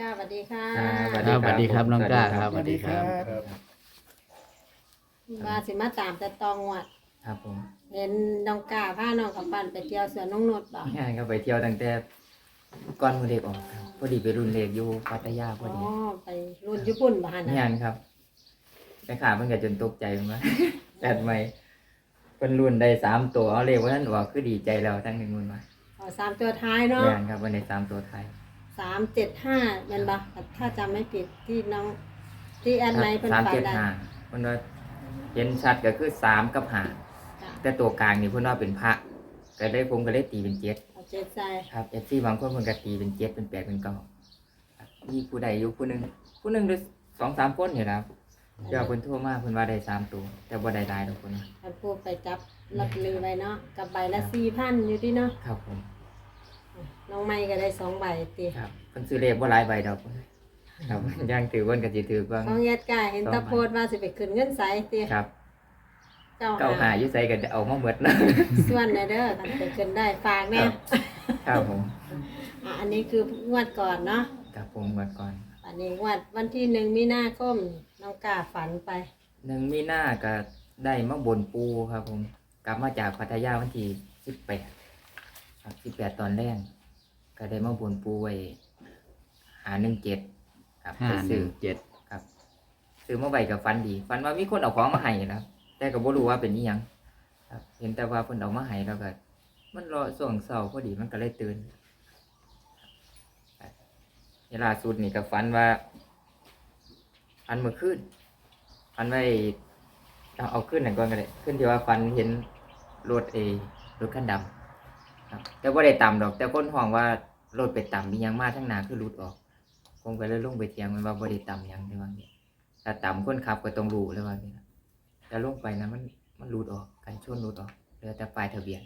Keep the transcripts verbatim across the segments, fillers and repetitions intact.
าสวัสดีค่ะสวัสดีครับน้องก้าครับสวัสดีครับมาสิมาตามแต่ตองวัดครับผมเห็นน้องกาพาน้องกับปันไปเที่ยวสวนน้องนดบ่งานก็ไปเที่ยวตั้งแต่ก่อนมือเด็กออกครับพอดีไปรุ่นเล็กอยู่พัทยาพอ๋ออดีไปรุ่นญี่ปุ่นบ่ฮะงานะนครับไปขาเพิ่นก็จนตกใจเหมือนกัน แปดใหม่เพิ่นรุ่นได้สามตัวเอาเลขว่าท่านว่าคือดีใจแล้วทั้งหนึ่งมันมาอ๋อสามตัวท้ายเนาะงานครับวันในสามตัวไทยสามเจ็ดห้าเป็นบ่ถ้าจำไม่ผิดที่น้องที่แอดไนท์เป็นสามปันเจ็ดได้ห้าเพิ่นว่าเห็นชัดก็คือสามกับห้าจ้ะแต่ตัวกลางนี่เพิ่นว่าเป็นพระก็ได้ผมก็เลยตีเป็นเจ็ดเอาเจ็ดใส่ครับเอฟซีบางคนมันก็ตีเป็นเจ็ดเป็นแปดเป็นเก้าครับมีผู้ใดอยู่ผู้หนึ่งผู้หนึ่งหรือสองสามคนอยู่นะครับเจ้าคนทั่วมากคนว่าได้สามตัวแต่บ่ได้ได้ดอกคนนะท่านผู้ไปจับลอตเตอรี่ไว้เนาะกับใบละสี่พันอยู่ที่เนาะครับผมน้องไม้ก็ได้สองใบตีครับคนซื้อเลขบ่หลายใบดอกครับ ย่างถือเพิ่นก็สิถือบ้างของแอดกาเห็นตะโพดว่าสิไปขึ้นเงินใสตีครับเก้าเก้าหาหาอยู่ไสก็จะเอามาหมดนะส่วนนะเด้อกันไปขึ้นได้ฝากแม่ครับผมอ่ะอันนี้คืองวดก่อนเนาะครับผมหมดก่อนอันนี้งวดวันที่หนึ่งมีนาคมน้องกาฝันไปหนึ่งมีหน้าก็ได้มาบนปูครับผม กลับมาจากพัทยาวันที่สิบแปดครับสิบแปดตอนแรกก็ได้มาบนปูไว้หาหนึ่งเจ็ดครับห้าไปหซื้นึ่องเจ็ดครับซื้อมาใบกับฟันดีฟันว่ามีคนเอาของมาให้นะครับ แต่ก็บ่รู้ว่าเป็นอีหยังครับ เห็นแต่ว่าเพิ่นเอามาให้แล้วก็มันรอส่วงเช้าพอดีมันก็เลยตื่นครับเวลาสุดนี่ก็ฝันว่าอันเมื่อคืนฝันไว้เอาเอาขึ้นหน่อยก่อนก็ได้ขึ้นที่ว่าฝันเห็นรถเอรถคันดำครับ แต่บ่ได้ต่ำดอก แต่คนห่วงว่ารถไปต่ำมีหยังมาทั้งหน้าคือหลุดออกผมก็เลยลงไปเถียงมันว่าบ่ได้ต่ำหยังในว่านี้ ถ้าต่ำคนขับก็ต้องรู้เลยว่านี่นะแต่ลงไปนะมันมันรูดออกกันชนรูดออกเหลือแต่ปลายทะเบียน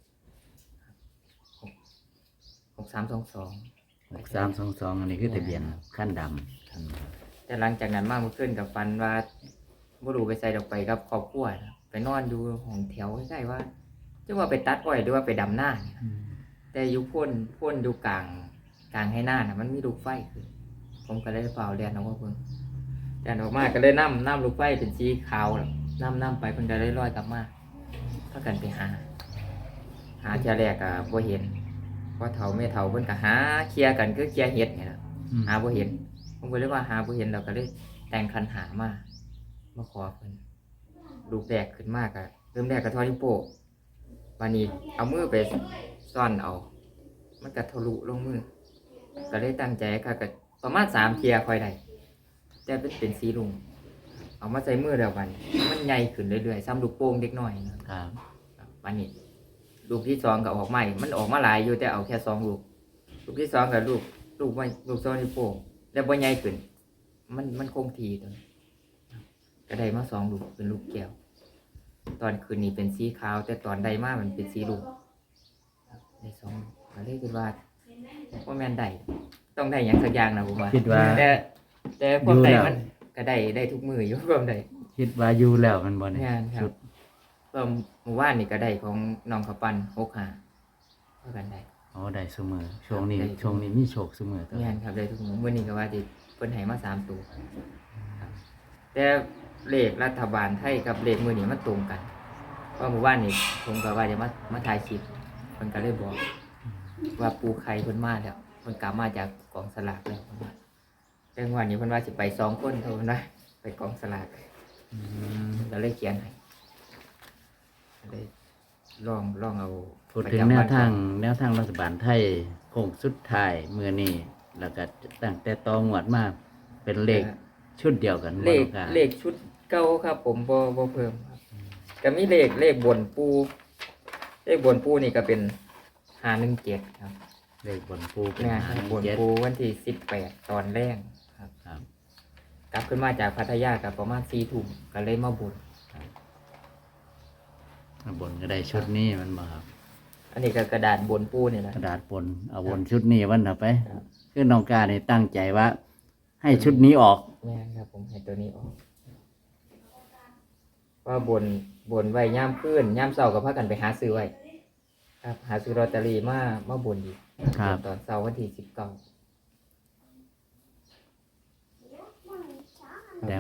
หกสามสองสองหกสามสองสองอันนี้คือทะเบียนขั้นดำแต่หลังจากนั้นมากมันขึ้นกับฟันว่าบ่รู้ไปใส่ดอกไปกับครอบครัวนะไปนอนอยู่ห้องแถวใกล้ๆว่าจะว่าไปตัดอ้อยหรือว่าไปดำหน้าเนี่ยนะแต่อยู่พ่นพ่นอยู่กลางกลางให้หน้านะมันมีลูกไฟคือผมก็เลยเฝ้าเรียนเอาว่าเพิ่ง แดนออกมาก็เลยน้ำน้ำลูกไฟเป็นสีขาวน้ำน้ำไปเพิ่นก็เลยลอยกลับมาพากันไปหา หาเจ้าแรกก็บ่เห็นพอเฒ่าแม่เฒ่าเพิ่นก็หาเคลียร์กันคือเคลียร์เห็ดนี่ล่ะหาบ่เห็นผมก็เลยว่าหาบ่เห็นแล้วก็เลยแต่งคันหามามาขอเพิ่นลูกแรกขึ้นมาก็เริ่มแรกก็ทอดนิ้วโป้งวันนี้เอามือไปซ่อนเอา มันก็ทะลุลงมือก็เลยตั้งใจค่ะก็ประมาณสามเที่ยค่อยได้ แต่เป็นเป็นสีลุงเอามาใส่มือเดียวกันมันใหญ่ขึ้นเรื่อยๆซ้ำลูกโป่งเล็กน้อยนะครับ วันนี้ลูกที่สองก็ออกใหม่มันออกมาหลายอยู่แต่เอาแค่สองลูกลูกที่สองกับลูกลูกไม่ลูกสองนิ้วโป่งแต่บ่ใหญ่ขึ้นมันมันคงทีตัวนี้ก็ได้มาสองลูกเป็นลูกแก้วตอนคืนนี้เป็นสีขาว แต่ตอนใดมามันเป็นสีลูกได้สองลูกก็เลยคิดว่าว่าแม่นได้ต้องได้อย่างสักอย่างนะผมว่าคิดว่าแต่แต่พวกอยู่ใดแล้วมันก็ได้ได้ทุกมืออยู่ พวกใดคิดว่าอยู่แล้วมันบ่เนี่ยงานครับชุดเพิ่มหมู่บ้านนี่ก็ได้ของน้องข้าวปั้นหกหาเท่ากันได้อ๋อได้เสมอช่วงนี้ได้ช่วงนี้มีโชคเสมอตัวงานครับได้ทุกมือวันนี้ก็ว่าจะเพิ่นให้มาสามตัวครับแต่เลขรัฐบาลไทยกับเลขมือนี่มันตรงกันเพราะหมู่บ้านนี่ผมก็ว่าจะมามาถ่ายคลิปเพิ่นก็เลยบอก ว่าปูไข่เพิ่นมาแล้วเพิ่นกลับมาจากกองสลากแล้วเพิ่นว่าแต่วันนี้เพิ่นว่าสิไปสองคนเท่านั้นนะไปกองสลากอืมเราเลยเขียนให้ก็เลยลองลองเอาพูดถึงแนวทางแนวทางรัฐบาลไทยโค้งสุดท้ายมื้อนี้แล้วก็ตั้งแต่ตองวดมาเป็นเลขชุดเดียวกันเลขบ่ต้องการเลขชุดเก่าครับ ผมบ่บ่เพิ่มครับก็มีเลขเลขบนปูเลขบนปูนี่ก็เป็นห้าหนึ่งเจ็ดครับเลขบนปูเป็นเนี่ยห้าบนเจ็ดปูวันที่สิบแปดตอนแรกครับครับกลับขึ้นมาจากพัทยากับประมาณสี่ทุ่มก็เลยมาบุญบนก็ได้ชุดนี้มันบ่ครับอันนี้ก็กระดาษบนปูนี่แหละกระดาษปนเอาวนชุดนี้วันต่อไปครับคือน้องกาเนี่ยตั้งใจว่า ให้ชุดนี้ออกแม่นครับผมให้ตัวนี้ออกว่าบนบนไว้ย่ามขึ้นย่ามเสาร์กับพากันไปหาซื้อไว้ ครับ หาซื้อลอตเตอรี่มามาบนอีกครับตอนเสาร์วันที่สิบเก้า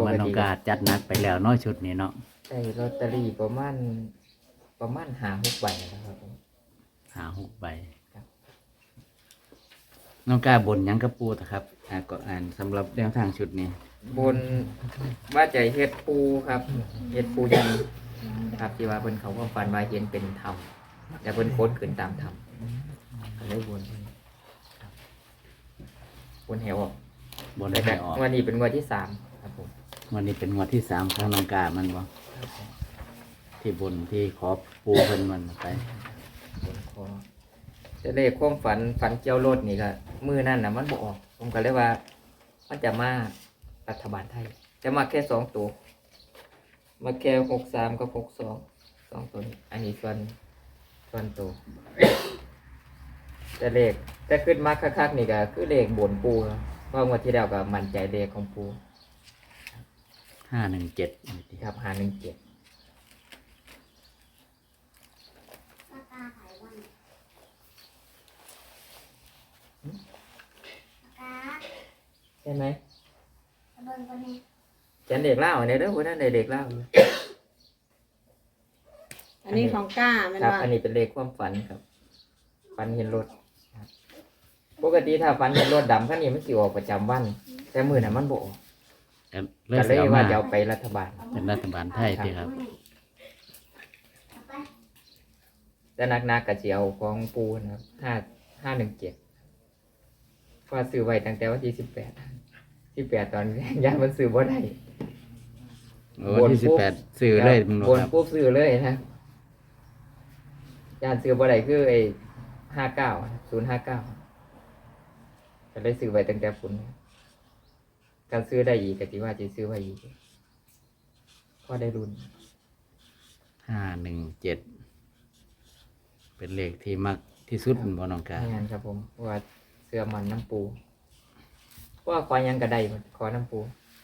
ว่าน้องกาจัดหนักไปแล้วเน้อยชุดนี้เนาะได้ลอตเตอรี่ประมาณประมาณห้าหกใบนะครับผมหาหกใบครับน้องกาบนหยังกระปูตะครับอ่าก็อ่านสำหรับแนวทางชุดนี้บนว่าใจเฮ็ดปูครับเฮ็ดปูยันครับที่ว่าเพิ่นเขาก็ฝันว่าเห็นเป็นธรรมแต่เพิ่นโค้นขึ้นตามธรรมก็เลยบนครับบนแหวออกบนแต่ให้ก็ออกวันนี้เป็นงวันที่สามครับผมวันนี้เป็นงวดที่สามของน้องกามันบ่ครับผมที่บนที่ขอปูเพิ่นมันไปบนคอจะเลขความฝันฝันเกี่ยวรถนี่ก็มือนั่นน่ะมันบ่ออก ผมก็เลยว่า มันจะมารัฐบาลไทย จะมาแค่สองตัว มาแค่หกสามกับหกสองสองตัวนี้ อันนี้ส่วนส่วนตัวแต่เลขแต่ขึ้นมาคักๆนี่ก็คือเลขบนปูครับเพราะงวันที่แล้วก็มั่นใจเลขของปูห้าหนึ่งเจ็ดครับหาหนึ่งเจ็ดใช่ไหมแกนเด็กเล่าเนี่ยเด้อคนนั้นเด็กเล่าอยู่อันนี้ของก้าแมันครับว่าอันนี้เป็นเลขความฝันครับ ฝันเห็นรถครับปกติถ้าฝันเห็นรถดำขั้นนี้มันสิออกประจำวัน แต่มือน่ะมันบ่ออกเลิก็กเลยเอาว่ามาจะเอาไปรัฐบาลเป็นรัฐบาลไทยที่ครับแต่นักๆกะสิเอาของปูนะครับห้าห้าหนึ่งเจ็ดพอซื้อไว้ตั้งแต่วันที่สิบแปดสิบแปดตอน ยามันซื้อบ่ได้วันที่สิบแปดซื้อเลยมึงบบ่นครับปุ๊บซื้อเลยนะยานซื้อบ่ได้คือไอ้ห้าเก้าศูนย์ห้าเก้าก็เลยซื้อไว้ตั้งแต่ฝุ่นการซื้อได้อีกกะสิว่าจะซื้อไว้อีกก็ได้รุ่นห้าหนึ่งเจ็ดเป็นเลขที่มักที่สุดบ่น้องกางานครับผมเพราะว่าเสื้อมันน้ำปูเพราะว่าขอยังกระไดมันขอน้ำปู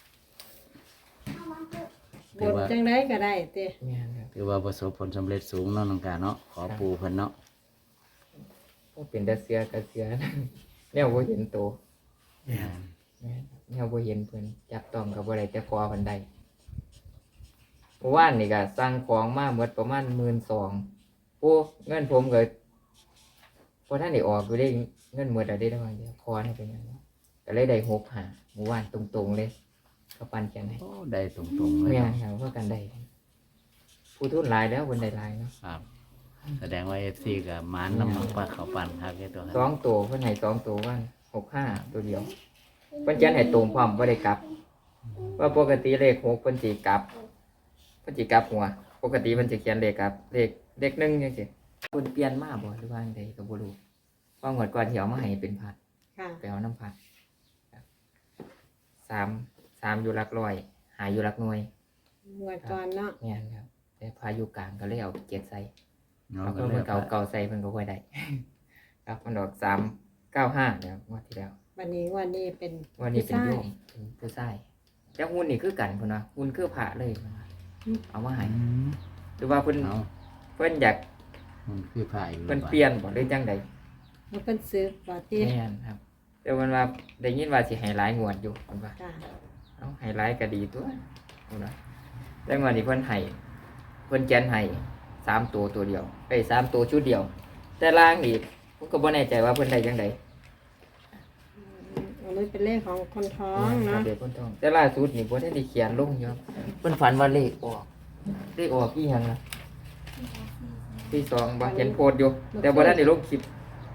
บทจังได้ก็ได้เต้งานครับถือว่าประสบผลสำเร็จสูงเนาะน้องกาเนาะขอปูเพิ่นเนาะก็เป็นแต่เสื้อกับเสื้อ เนี่ยบ่เห็นโตวแม่นเนี่ยบ่เห็นเพิ่นจับต้องกับบ่ได้แต่ขอเพิ่นได้เมื่อวานนี่ก็สั่งของมาหมดประมาณหมื่นสองโอ้เงินผมก็พอท่านได้ออกอยู่ได้เงินหมดแล้วได้ได้บางเดียวพอให้เป็นหยังเนาะก็เลยได้หกหาเมื่อวานตรงๆเลยเขาปันแกนให้โอ้ได้ตรงๆเลยแม่เนาะนครับเพราะกันได้ผู้ทุนหลายแล้วคนได้หลายเนาะครับแสดงว่า เอฟ ซี ก็มานำมาปลาเขาปั่นครับแค่ตัวคสอรับงตัวเพิ่นให้สองตัววันหกห้าตัวเดียวเพิ่นเขียนให้ตรงพร้อมบ่ได้กลับ ว่าปกติเลขหกเพิ่นสิกลับเพิ่นสิกลับหัว ปกติมันจะเขียนเลขกลับเลขเลขหนึ่งจังซี่เพิ่นเปลี่ยนมาบ่หรือว่าจังไดก็บ่รู้เพราะงวดก่อนที่เอามาให้เป็นพัดค่ะไปเอาน้ำพัดครับสามสามอยู่หลักร้อยหาอยู่หลักหน่วยงวดก่อนเนาะแม่นครับ แต่พายุกลางก็เลยเอาเจ็ดใส่เนาะเอาก็เพิ่นเลยเก่าเก่าใส่เพิ่นก็ค่อยได้ ครับมันออกสามเก้าห้าเนี่ยงวดที่แล้ววันนี้วันนี้เป็นวันนี้เป็นผู้โยชายมเป็นผู้ชายแต่หุ่นนี่คือกันพุ่นว่าหุ่นคือพระเลยพุ่นว่าเอามาให้อืมหรือว่าเพิ่นเอาเพิ่นอยากมันคือผ่ายอยู่เพิ่นเปลี่ยนบ่หรือจังใดมันเป็นซื้อบ่ติแม่นครับ แต่มันว่าได้ยินว่าสิให้หลายงวดอยู่เพิ่นว่าค่ะเอาให้หลายก็ดีตัวพุ่นว่าแต่งวดนี้เพิ่นให้เพิ่นแจนให้สามตัวตัวเดียวเอ้ยสามตัวชุดเดียว แต่ล่างนี่ผมก็บ่แน่ใจว่าเพิ่นได้จังไดอืมอันนี้เป็นเลขของคนท้องครัเนาะบเด็กคนท้องแต่ล่าสุดนี่บ่ได้ได้เขียนลงอยู่ครับเพิ่นฝันว่าเลขออกเลขออกอีหยังล่ะที่สองบ่เห็นโพสต์อยู่ แต่บ่ได้ได้ลงคลิป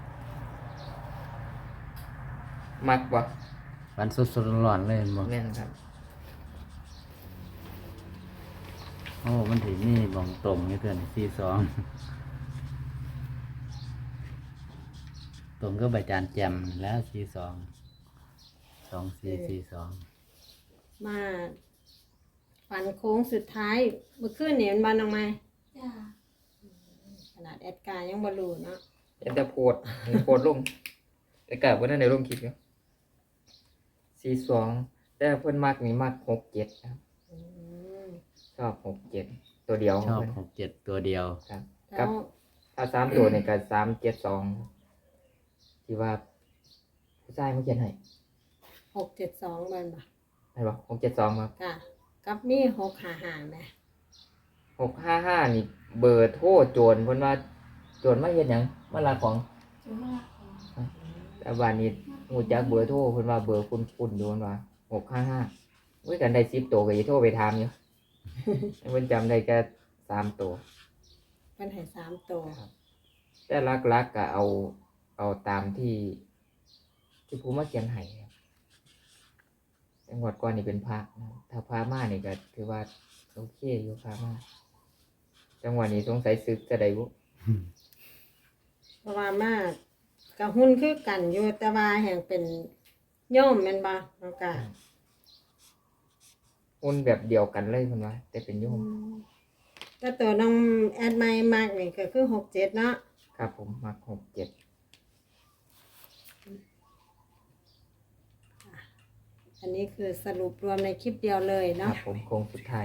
มักบ่วันสดๆร้อนๆเลยบ่แม่นครับโอ้มันถึงนี่บ่งตรงนี่เพื่อนสี่สองตรงก็ใบจานแจมแล้วสี่สองสองสี่สี่สองมาฝันโค้งสุดท้ายเมื่อคืนนี่มันบานออกมาจ้าขนาดแอดการ์ยังบ่รู้เนาะเห็นแต่โพสต์เห็นโพสต์ลงแต่ก็บ่ได้ได้ลงคลิปอยู่สี่สองแต่เพิ่นมักนี่มักหกเจ็ดครับอืมชอบหกเจ็ดตัวเดียวชอบเพิ่นหกเจ็ดตัวเดียวครับแล้กับวถ้าสามตัวนี่ก็สามเจ็ดสองที่ว่าผู้ชายมาเขียนให้หกเจ็ดสองมันบ่ได้บ่หกเจ็ดสองครับค่ะกับมีหกหาหาไหมหกห้าห้านี่เบอร์โทรโจรเพิ่นว่าโจรมาเฮ็ดหยังมาลักของจุดว่าของแต่บ้านนี้ฮู้จักเบอร์โทรเพิ่นว่าเบอร์คุ้นๆอยู่เพิ่นว่าหกห้าห้าเว้ยกันได้สิบตัวก็สิโทรไปถามอยู่ เพิ่นจำได้แค่สามตัวเพิ่นให้สามตัวแต่หลักๆก็เอาเอาตามที่ที่ผู้มาเขียนให้ครับจังหวัดก่อนนี่เป็นพระนะถ้าพระมานี่ก็ถือว่าโอเคอยู่พระมาจังหวัดนี้สงสัยซึกจะได้บ่เพราะว่ามากกับหุ้นคือกันอยู่แต่ว่าแห่งเป็นโยมแม่นบ่น้องกาหุ้นแบบเดียวกันเลยเพิ่นว่าแต่เป็นโยมแต่ตัวน้องแอดไมค์มากนี่ก็คือหกเจ็ดเนาะครับผมมักหกเจ็ดอันนี้คือสรุปรวมในคลิปเดียวเลยครัเนาะบผมโค้งสุดท้าย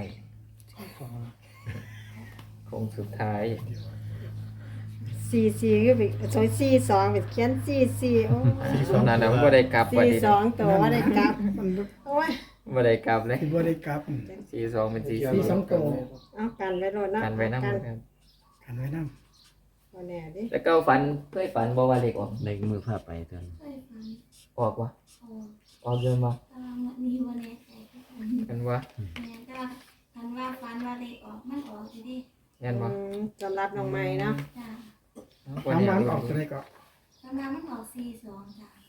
โค้งสุดท้ายสี่สี่คือไปโซยสี่สองไปเขียนสี่สี่โอ้ตอนนั้นบ่ได้กลับว่าสี่ดิสองตัวว่าได้กลับมันโอ้ยบ่ได้กลับเลยที่บ่ได้กลับสี่สองเป็นสี่สี่สองตัวเอากันไว้โลดเนาะกันไว้นำกันครับกันไว้นำบ่แน่ดิแล้วก็ฝันเคยฝันบ่ว่าเลขออกเล็กมือพาไปตอนเคยฟังออกวะโอ้ออกเยอะบ่ตารางวันนี้วันแน่ใจก็ฟันกันว่าแม่ก็ทันว่าฟันว่าเลขออกมันออกสิดิแม่นบ่อืมสำหรับน้องใหม่เนาะจ้าบ่ถามแน่วันรู้ออกตัวใดก็ตารางมันออกสี่สองจ้า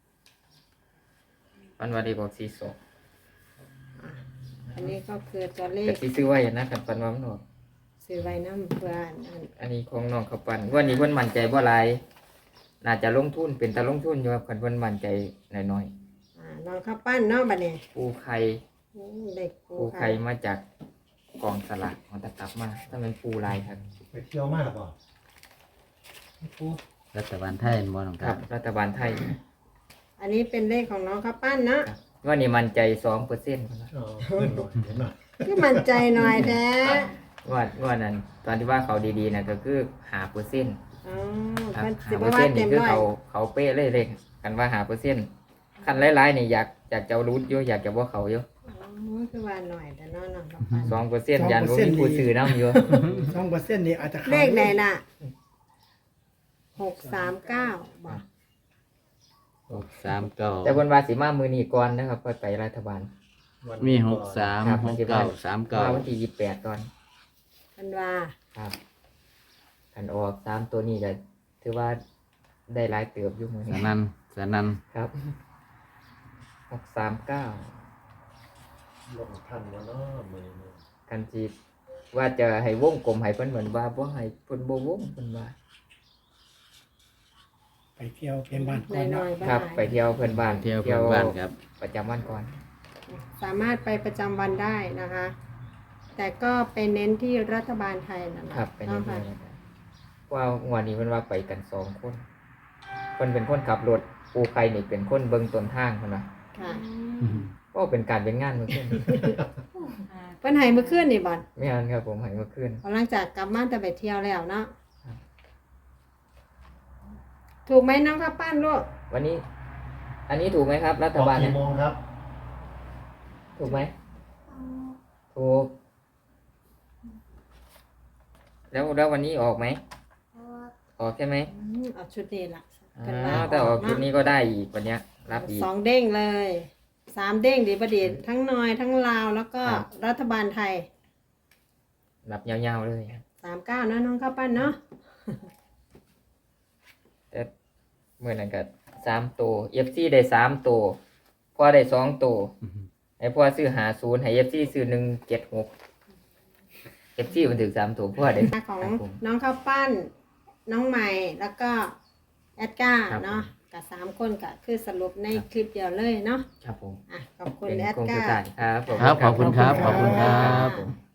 ฝันว่าเลขออกสี่สองอันนี้ก็คือตัวเลแต่ขสิซื้อไว้นะคันฝันว่ามันออกซื้อไว้น้ำเพื่อนอันอันนี้ของน้องเขาปันวันนี้เพิ่นมั่นใจบ่หลายน่าจะลงทุนเป็นตาลงทุนอยู่ครับคันเพิ่นมั่นใจน้อยอ่าน้องข้าวปั้นเนาะบัดนี้ๆปูไข่อืมเด็กปูปูไข่ไข่มาจากกองสลากของตะกลับมาถ้ามันปูลายครับไปเที่ยวมากป่ะปูรัฐบาลไทยบ่น้องคครัรับบ รัฐบาลไทยอันนี้เป็นเลขของน้องข้าวปั้นเนาะครับวันนี้มั่นใจสองเปอร์เซ็นต์ครับเออเพื่อนหน่อยเห็นหน่อยคือมั่นใจหน่อยแท้งวดงวดนั้นตอนที่ว่าเขาดีๆนะก็คือหาเปอร์เซ็นต์อ๋อครับมันสิหาบ่เปอร์ว่าเซ็นต์เต็นี่มคือร้อยเขาเขาเป๊ะเลยเลยกันว่าหาเปอร์เซ็นต์คันหลายๆนี่อยากอยากจะเอารูทอยู่อยากจะว่าเขาอยู่อ๋อคือว่าหน่อยแต่เนาะน้องข้าวปั้นสองเปอร์เซ็นต์ยันว่ามีผู้ซื้อน้ำอยู่สองเปอร์เซ็นต์นี่อาจจะข้าเลขไหนน่ะหกสามเก้าบอกหกสามเก้าแต่บนวาสีมามือนีก่อนนะครับค่อยไปรัฐบาลวันมีหกสามครับหกเก้าสามเก้ามาวันที่ยี่สิบแปดก่อนกันว่าครับกันออกสามตัวนี้ก็ถือว่าได้หลายเติบอยู่มือสนี้นันสนันครับหกสามเก้าลงทันแล้วเนาะมือนี้กันจีว่าจะให้วงกลมให้เพิ่นเหมือนว่าบ่ให้เพิ่นบ่วงเพิ่นว่าไปเที่ยวเพียงบ้านหก่อนน่เนาะอยๆบ้าครับงไปเที่ยวเพิ่นบ้านเที่ยวเพื่อนบ้านครับประจำวันก่อนสามารถไปประจำวันได้นะคะ แต่ก็ไปเน้นที่รัฐบาลไทยนั่นแหละครับไปนี่เนาะค่ะเลยนะครับว่างวดนี้เพิ่นว่าไปกันสองคนเพิ่นเป็นคนขับรถปูไข่นี่เป็นคนเบิ่งต้นทางเพิ่นว่าค่ะก็เป็นการเป็นงานเมื่อคืนเพิ่นให้เมื่อคืนนี่บ่อนไม่อันครับผมให้เมื่อคืนหลังจากกลับมาแต่ไปเที่ยวแล้วเนาะครับถูกไหมน้องข้าวปั้นลูกวันนี้ อันนี้ถูกไหมครับ รัฐออกบาลเนี่กี่ยโมงครับถูกไหมถูก แล้วแล้ววันนี้ออกไหมออกใช่ไหมอืมเอาชุดนี้ล่ะอ๋กันว่าอแต่ออกชุดนี้ก็ได้อีกวันเนี้ย รับอีกสองเด้งเลยสามเด้งดีประดิษฐ์ทั้งน้อยทั้งลาวแล้วก็ครับรัฐบาลไทยรับยาวๆเลยสามเก้านะน้องข้าวปั้นเนาะแต่เมื่อนั้นก็สามตัวเอฟซีได้สามตัวพ่อได้สองตัวไอ้พ่อซื้อหาศูนย์ให้เอฟซีซื้อหนึ่งเจ็ดหกเอฟซีมันถึงสามตัวพ่อได้ของครับผมน้องข้าวปั้น น้องใหม่แล้วก็แอดก้าครับเนาะกับสามคนก็คือสรุปในคลิปเดียวเลยเนาะครับผมอ่ะขอบคุณเป็นแอดโครงก้าสุดท้ายครับผมครับขอบคุณครับขอบคุณครับค่ะ